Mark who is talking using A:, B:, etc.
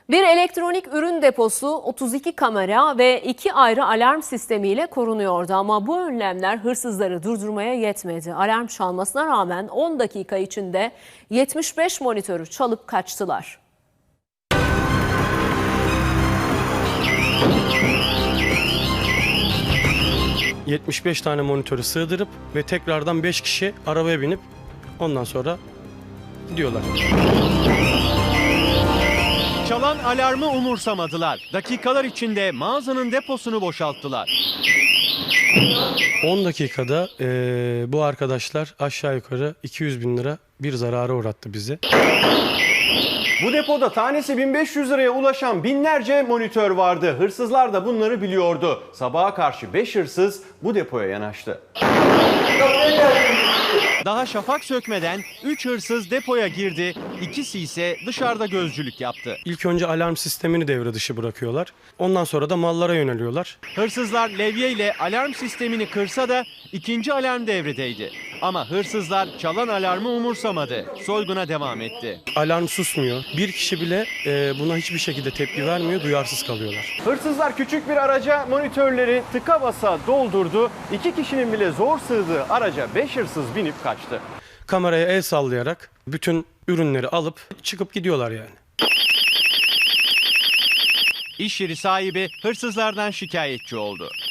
A: Bir elektronik ürün deposu 32 kamera ve 2 ayrı alarm sistemiyle korunuyordu ama bu önlemler hırsızları durdurmaya yetmedi. Alarm çalmasına rağmen 10 dakika içinde 75 monitörü çalıp kaçtılar.
B: ...75 tane monitörü sığdırıp ve tekrardan 5 kişi arabaya binip ondan sonra gidiyorlar.
C: Çalan alarmı umursamadılar. Dakikalar içinde mağazanın deposunu boşalttılar.
B: 10 dakikada bu arkadaşlar aşağı yukarı 200 bin lira bir zarara uğrattı bizi.
D: Bu depoda tanesi 1500 liraya ulaşan binlerce monitör vardı. Hırsızlar da bunları biliyordu. Sabaha karşı 5 hırsız bu depoya yanaştı.
C: Daha şafak sökmeden 3 hırsız depoya girdi, ikisi ise dışarıda gözcülük yaptı.
B: İlk önce alarm sistemini devre dışı bırakıyorlar. Ondan sonra da mallara yöneliyorlar.
C: Hırsızlar levye ile alarm sistemini kırsa da ikinci alarm devredeydi. Ama hırsızlar çalan alarmı umursamadı. Soyguna devam etti.
B: Alarm susmuyor. Bir kişi bile buna hiçbir şekilde tepki vermiyor, duyarsız kalıyorlar.
D: Hırsızlar küçük bir araca monitörleri tıka basa doldurdu. 2 kişinin bile zor sığdığı araca 5 hırsız binip kaçtı.
B: Kameraya el sallayarak bütün ürünleri alıp çıkıp gidiyorlar yani.
C: İş yeri sahibi hırsızlardan şikayetçi oldu.